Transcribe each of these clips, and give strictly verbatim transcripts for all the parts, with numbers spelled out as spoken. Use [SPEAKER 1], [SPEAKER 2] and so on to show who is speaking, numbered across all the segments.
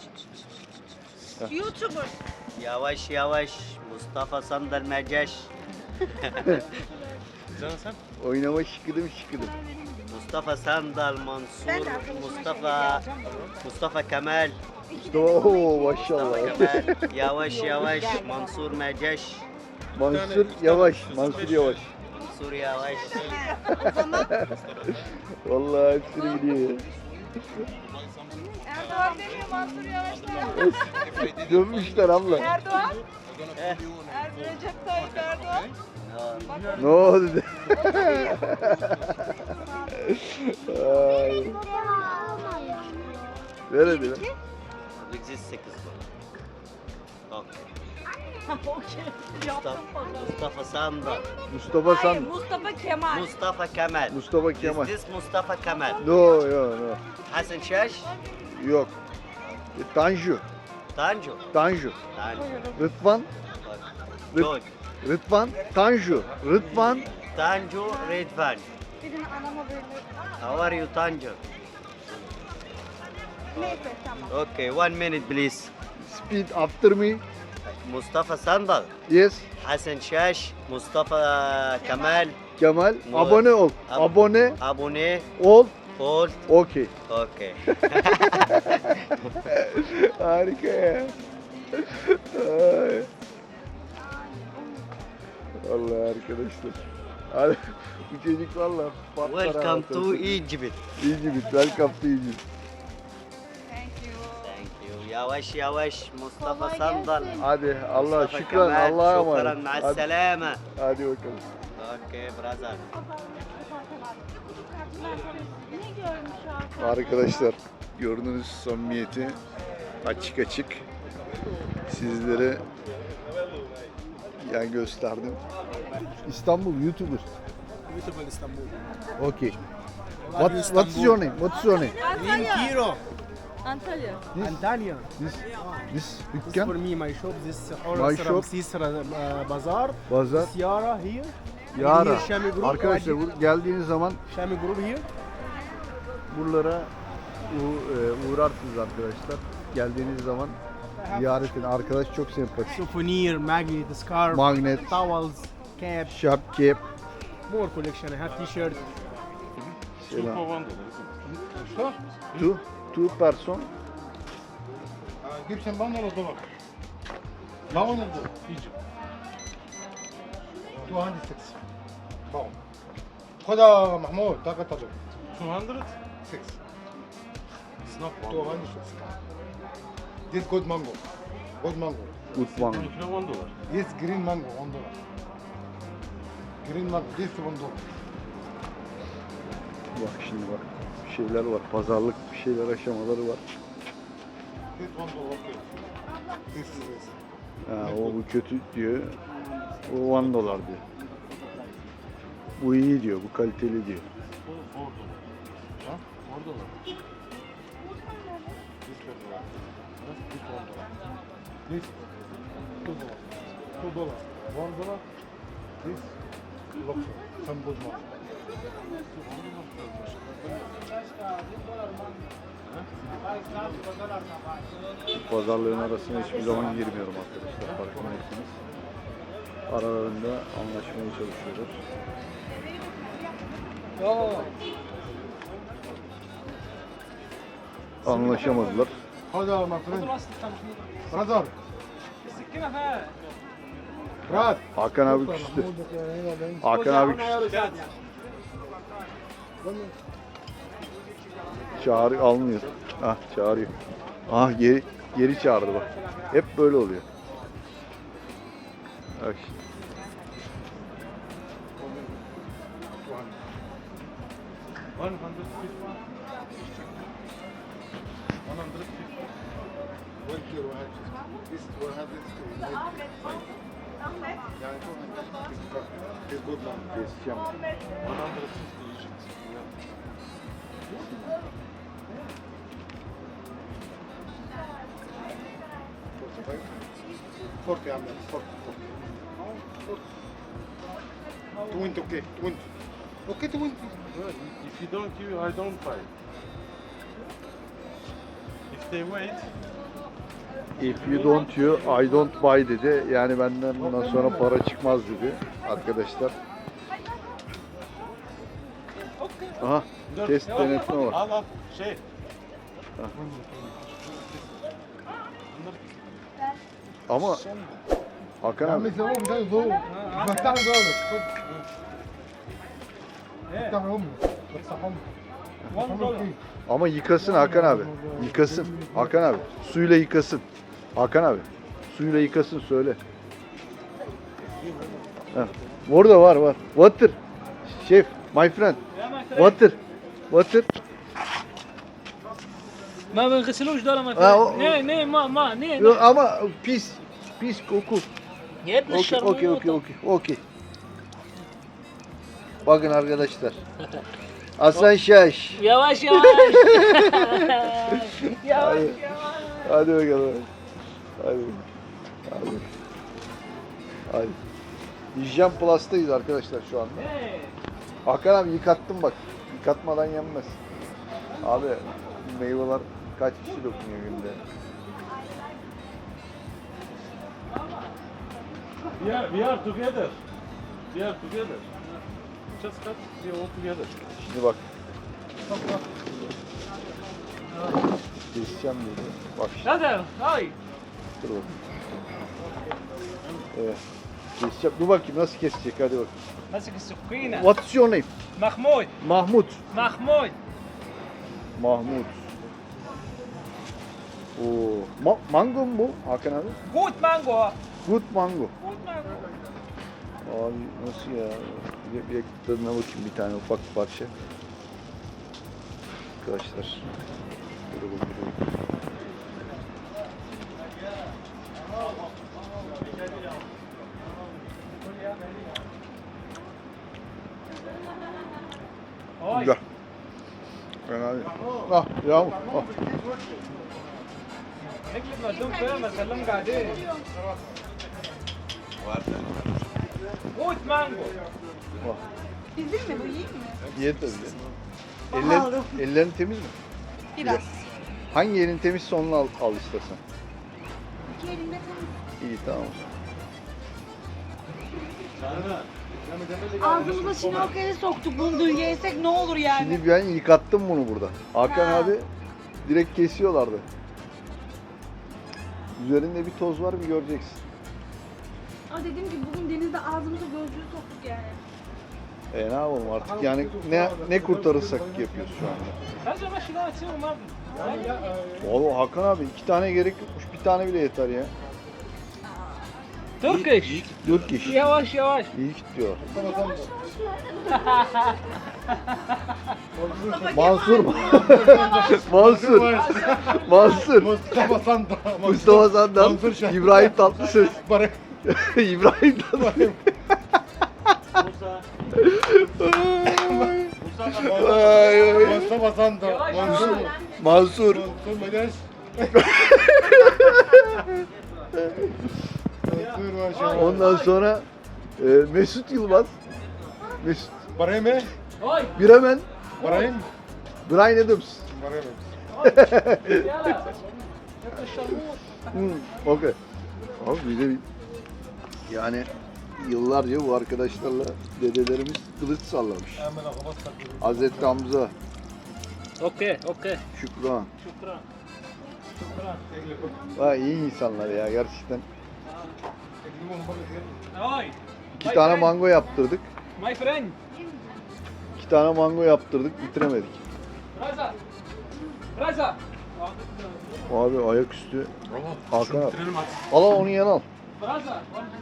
[SPEAKER 1] YouTuber.
[SPEAKER 2] Yavaş yavaş Mustafa Sandal Merceş.
[SPEAKER 3] Canım sen?
[SPEAKER 4] Oynama şıkıdım şıkıdım.
[SPEAKER 2] Mustafa Sandal, Mansur,
[SPEAKER 1] Ben de arkadaşıma
[SPEAKER 2] Mustafa,
[SPEAKER 1] şey diyeceğim.
[SPEAKER 2] Mustafa Kemal,
[SPEAKER 4] Oo maşallah.
[SPEAKER 2] Kemal, yavaş yavaş Mansur Merceş,
[SPEAKER 4] Mansur Yavaş. Mansur Yavaş.
[SPEAKER 2] Mansur yavaş.
[SPEAKER 1] O zaman
[SPEAKER 4] Vallahi hepsini biliyor ya.
[SPEAKER 1] Erdoğan demiyor, Mansur Yavaş diyor.
[SPEAKER 4] Dönmüşler abla.
[SPEAKER 1] Erdoğan,
[SPEAKER 2] Eh,
[SPEAKER 1] Er Recep Tayyip Erdoğan.
[SPEAKER 4] Ne oldu? Ay. Ver hadi ver.
[SPEAKER 2] Bizi sekiz bu. Okey.
[SPEAKER 1] Okey.
[SPEAKER 2] Mustafa, Mustafa Sandal,
[SPEAKER 4] Mustafa
[SPEAKER 1] Hayır,
[SPEAKER 4] San.
[SPEAKER 1] Mustafa Kemal.
[SPEAKER 2] Mustafa Kemal.
[SPEAKER 4] Mustafa Kemal.
[SPEAKER 2] Is this Mustafa Kemal?
[SPEAKER 4] No, yo, no.
[SPEAKER 2] Hasan Şaş,
[SPEAKER 4] Yok. E, Tanju.
[SPEAKER 2] Tanju.
[SPEAKER 4] Tanju.
[SPEAKER 2] Tanju.
[SPEAKER 4] Rıdvan. Rıt,
[SPEAKER 2] George.
[SPEAKER 4] Rıdvan. Tanju. Rıdvan.
[SPEAKER 2] Tanju Redvan.
[SPEAKER 1] Birini anama böyle.
[SPEAKER 2] How are you Tanju?
[SPEAKER 1] Neyse tamam.
[SPEAKER 2] Okay, one minute please.
[SPEAKER 4] Speed after me.
[SPEAKER 2] Mustafa Sandal,
[SPEAKER 4] Yes.
[SPEAKER 2] Hasan Şaş, Mustafa Kemal,
[SPEAKER 4] Kemal.
[SPEAKER 2] No.
[SPEAKER 4] Abone ol.
[SPEAKER 2] Ab-
[SPEAKER 4] Abone
[SPEAKER 2] abone
[SPEAKER 4] ol.
[SPEAKER 2] ol.
[SPEAKER 4] Okey.
[SPEAKER 2] Okay.
[SPEAKER 4] Harika ya. Ay. Vallahi arkadaşlar. Abi, bu çocuk valla patlar.
[SPEAKER 2] Welcome
[SPEAKER 4] ha,
[SPEAKER 2] to
[SPEAKER 4] tabii.
[SPEAKER 2] Egypt.
[SPEAKER 4] Egypt. Welcome to Egypt.
[SPEAKER 1] Thank you.
[SPEAKER 2] Thank you. Yavaş yavaş Mustafa
[SPEAKER 1] Kolay
[SPEAKER 2] Sandal.
[SPEAKER 1] gelsin.
[SPEAKER 4] Hadi Allah
[SPEAKER 2] Mustafa
[SPEAKER 4] şükran
[SPEAKER 2] Kemal,
[SPEAKER 4] Allah'a
[SPEAKER 2] Şükran
[SPEAKER 4] emanet. Hadi,
[SPEAKER 2] ma'as-selama.
[SPEAKER 4] hadi bakalım.
[SPEAKER 2] Okay brother.
[SPEAKER 1] Ne görmüş Hakan?
[SPEAKER 4] Arkadaşlar gördüğünüz samimiyeti açık açık sizlere yani gösterdim. İstanbul YouTuber.
[SPEAKER 3] YouTuber İstanbul.
[SPEAKER 4] Okay. What, what's your name? What's your name?
[SPEAKER 1] Antalya.
[SPEAKER 3] Kiro.
[SPEAKER 1] Antalya.
[SPEAKER 4] This,
[SPEAKER 3] Antalya.
[SPEAKER 4] this, this
[SPEAKER 3] This for
[SPEAKER 4] dükkan,
[SPEAKER 3] me, my shop. This
[SPEAKER 4] My
[SPEAKER 3] or
[SPEAKER 4] shop.
[SPEAKER 3] Ramses uh, Bazaar.
[SPEAKER 4] pazar,
[SPEAKER 3] This Yara here.
[SPEAKER 4] Yara.
[SPEAKER 3] Here Şami Group.
[SPEAKER 4] Arkadaşlar bu- geldiğiniz zaman
[SPEAKER 3] Şami Group here.
[SPEAKER 4] buralara u- e, uğrarsınız arkadaşlar. Geldiğiniz zaman ziyaret edin. Arkadaş çok sempatik.
[SPEAKER 3] Souvenir, magnet, scarf,
[SPEAKER 4] Magnet,
[SPEAKER 3] towels, cap,
[SPEAKER 4] şap, kep,
[SPEAKER 3] more collection. I have t-shirt.
[SPEAKER 4] selam. Two, two person.
[SPEAKER 5] جيب شمبان ولا دولار؟ باون ولا دولار؟ يجي مئتين وستة باون خدها محمود طاقة تجربة
[SPEAKER 6] two hundred?
[SPEAKER 5] ستة
[SPEAKER 6] It's not one.
[SPEAKER 5] مئتين وستة This good mango good mango
[SPEAKER 4] Good one.
[SPEAKER 6] One kilo one dollar.
[SPEAKER 5] This green mango one dollar green mango this one dollar
[SPEAKER 4] Bak şimdi bak. Bir şeyler var. Pazarlık bir şeyler aşamaları var.
[SPEAKER 5] this one dollar okay this is this
[SPEAKER 4] Ha, o bu kötü diyor. O on dolar diyor. Bu iyi diyor. Bu kaliteli diyor.
[SPEAKER 6] Four, four dollar.
[SPEAKER 5] Huh?
[SPEAKER 6] Four dollar.
[SPEAKER 5] this one dollar this one dollar this two dollar two dollar one dollar this luxury some good mango
[SPEAKER 4] Pazarlığın arasına hiçbir zaman girmiyorum arkadaşlar. Farkındaysanız. Aralarında anlaşmaya çalışıyoruz. Anlaşamadılar.
[SPEAKER 5] هذا my friend brother Brad
[SPEAKER 4] Hakan abi küstü. Hakan abi küstü. Çağrı almıyor. Ah çağırıyor. Ah geri geri çağırdı bak. Hep böyle oluyor. Bak şimdi.
[SPEAKER 6] One hundred fifty. One hundred fifty.
[SPEAKER 5] one kilo واحد this one hundred يعني this good mango
[SPEAKER 4] Keseceğim.
[SPEAKER 6] One hundred fifty Egypt. Yeah.
[SPEAKER 5] forty عم forty twenty okay twenty okay twenty
[SPEAKER 6] Well, if you don't give, I don't buy. If they wait.
[SPEAKER 4] If you don't you, I don't buy dedi. Yani benden bundan sonra para çıkmaz dedi arkadaşlar. Aha,
[SPEAKER 6] Dur,
[SPEAKER 4] test
[SPEAKER 6] yok,
[SPEAKER 4] denetme var.
[SPEAKER 6] Al al şey.
[SPEAKER 4] Ama Hakan abi,
[SPEAKER 5] مثل هم ده ضوء بفتح ذلك افتح هم افتح هم
[SPEAKER 4] ama yıkasın Hakan abi. Yıkasın. Hakan abi, suyla yıkasın. Hakan abi, suyla yıkasın söyle. Heh. Orada var var. Water. Şef, my friend. Water. Water.
[SPEAKER 7] ما بنغسلوش دول ما
[SPEAKER 4] آه، أو-
[SPEAKER 7] نيه نيه ما ما نيه
[SPEAKER 4] Yok, ama pis. Pis koku.
[SPEAKER 7] يا ابن
[SPEAKER 4] Okey, okey, okey,
[SPEAKER 7] الشرموطة
[SPEAKER 4] okey, okey. Bakın arkadaşlar. Hasan Şaş.
[SPEAKER 7] يواش يواش يواش
[SPEAKER 4] Hadi, hadi bakalım. Hadi. Hadi. Hadi. Hijyen Plus'tayız arkadaşlar şu anda. Hakan abi yıkattım bak. Yıkatmadan yenmez. Abi meyveler kaç kişi dokunuyor günde?
[SPEAKER 6] We are, we are together. We are together. Just cut. We are all together.
[SPEAKER 4] Şimdi bak. Keseceğim dedi. Bak şimdi.
[SPEAKER 7] هذا هاي
[SPEAKER 4] Dur bakayım. Evet. Keseceğim. Dur bakayım nasıl kesecek hadi bak.
[SPEAKER 7] ماسك السكينة
[SPEAKER 4] What's your name?
[SPEAKER 7] محمود
[SPEAKER 4] Mahmut.
[SPEAKER 7] محمود
[SPEAKER 4] Mahmut. Oo. Ma mango mu bu Hakan abi?
[SPEAKER 7] جود مانجو
[SPEAKER 4] Good mango.
[SPEAKER 7] جود مانجو
[SPEAKER 4] Abi nasıl ya? Bir, bir tadına bakayım bir tane ufak bir parça. Arkadaşlar. Böyle bakıyorum. Güzel. Fena değil. Ah yağmur. Ah.
[SPEAKER 7] نكتب مردوم فيها ما تكلم قاعدين جود مانجو
[SPEAKER 4] Ah.
[SPEAKER 1] Bizim mi bu, iyi mi?
[SPEAKER 4] Ye tabii. Eller, ellerin temiz mi?
[SPEAKER 1] Biraz.
[SPEAKER 4] Hangi elin temizse onu al, al istersen.
[SPEAKER 1] İki elimde temiz.
[SPEAKER 4] İyi tamam.
[SPEAKER 1] Ağzımıza şinokeli soktuk, bunu dün yesek ne olur yani?
[SPEAKER 4] Şimdi ben yıkattım bunu burada. Hakan
[SPEAKER 1] Ha.
[SPEAKER 4] abi direkt kesiyorlardı. Üzerinde bir toz var bir göreceksin.
[SPEAKER 1] Ama dediğim gibi bugün denizde ağzımıza gözlüğü soktuk yani.
[SPEAKER 4] E ne yapalım artık yani ne ne kurtarırsak yapıyoruz şu anda.
[SPEAKER 7] هذا ماشي لا تصير ما
[SPEAKER 4] Oğlum Hakan abi iki tane gerek yokmuş bir tane bile yeter ya.
[SPEAKER 7] تركش
[SPEAKER 4] Dört kişi.
[SPEAKER 7] يواش يواش
[SPEAKER 4] İyi gidiyor. Mansur mu? Mansur. Mansur.
[SPEAKER 5] مصطفى صندوق
[SPEAKER 4] Mustafa Sandal.
[SPEAKER 5] Mansur Şah.
[SPEAKER 4] İbrahim Tatlıses.
[SPEAKER 5] برك
[SPEAKER 4] İbrahim Tatlıses. Ay, ay.
[SPEAKER 5] مصطفى صندوق منصور
[SPEAKER 4] Mansur.
[SPEAKER 5] منصور مداش منصور ما شاء الله
[SPEAKER 4] Ondan sonra e, Mesut Yılmaz. Mesut.
[SPEAKER 5] ابراهيم ايه؟
[SPEAKER 7] هاي
[SPEAKER 4] Bremen.
[SPEAKER 5] ابراهيم
[SPEAKER 4] Brian Adams.
[SPEAKER 5] ابراهيم
[SPEAKER 7] يلا ابن الشرموط
[SPEAKER 4] Hmm, okey. Abi bir de bir- yani yıllarca bu arkadaşlarla dedelerimiz kılıç sallamış. Hazreti Hamza,
[SPEAKER 7] اوكي اوكي
[SPEAKER 4] Şükran.
[SPEAKER 7] شكرا شكرا
[SPEAKER 4] Ha, iyi insanlar ya gerçekten.
[SPEAKER 7] هاي
[SPEAKER 4] İki tane mango yaptırdık.
[SPEAKER 7] ماي فريند
[SPEAKER 4] İki tane mango yaptırdık, bitiremedik.
[SPEAKER 7] رزا رزا
[SPEAKER 4] Abi ayaküstü. Hakan abi.
[SPEAKER 6] Bitirelim hadi.
[SPEAKER 4] Al al onu yan al.
[SPEAKER 7] رزا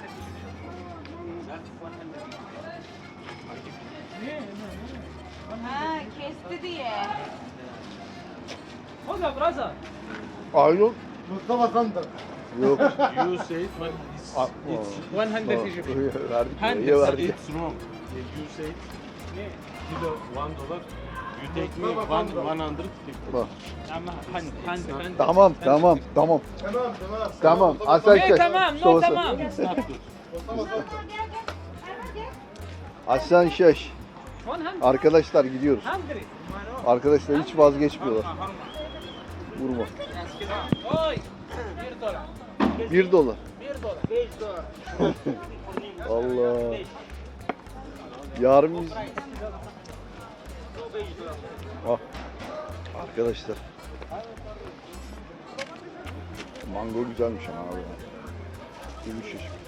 [SPEAKER 1] Ha, kesti diye.
[SPEAKER 7] خذها برزا
[SPEAKER 4] Ay yok.
[SPEAKER 5] مصطفى صندوق
[SPEAKER 4] Yok.
[SPEAKER 6] You say it but it's,
[SPEAKER 4] Aa,
[SPEAKER 6] it's,
[SPEAKER 7] مية يجيب
[SPEAKER 4] verdik.
[SPEAKER 7] Hand-
[SPEAKER 4] Ya verdik.
[SPEAKER 6] it's wrong. You say it. Kilo one dollar. You take me one one hundred fifty.
[SPEAKER 4] Bak.
[SPEAKER 7] هند هند هند
[SPEAKER 4] Tamam tamam tamam.
[SPEAKER 5] تمام تمام
[SPEAKER 4] Tamam. Hasan
[SPEAKER 7] ايه
[SPEAKER 4] Şaş.
[SPEAKER 7] تمام نو
[SPEAKER 4] Mustafa
[SPEAKER 7] تمام
[SPEAKER 6] It's not good.
[SPEAKER 4] Hasan Şaş.
[SPEAKER 7] مية
[SPEAKER 4] Arkadaşlar gidiyoruz.
[SPEAKER 7] هنغري
[SPEAKER 4] Arkadaşlar hiç vazgeçmiyorlar. Vurma.
[SPEAKER 7] Oy! Bir dolar.
[SPEAKER 4] Bir dolar.
[SPEAKER 7] Bir dolar.
[SPEAKER 2] beş dolar.
[SPEAKER 4] Allah. Yarın biz... Ah. Arkadaşlar. Mango güzelmiş ama abi. Gümüş çeşit.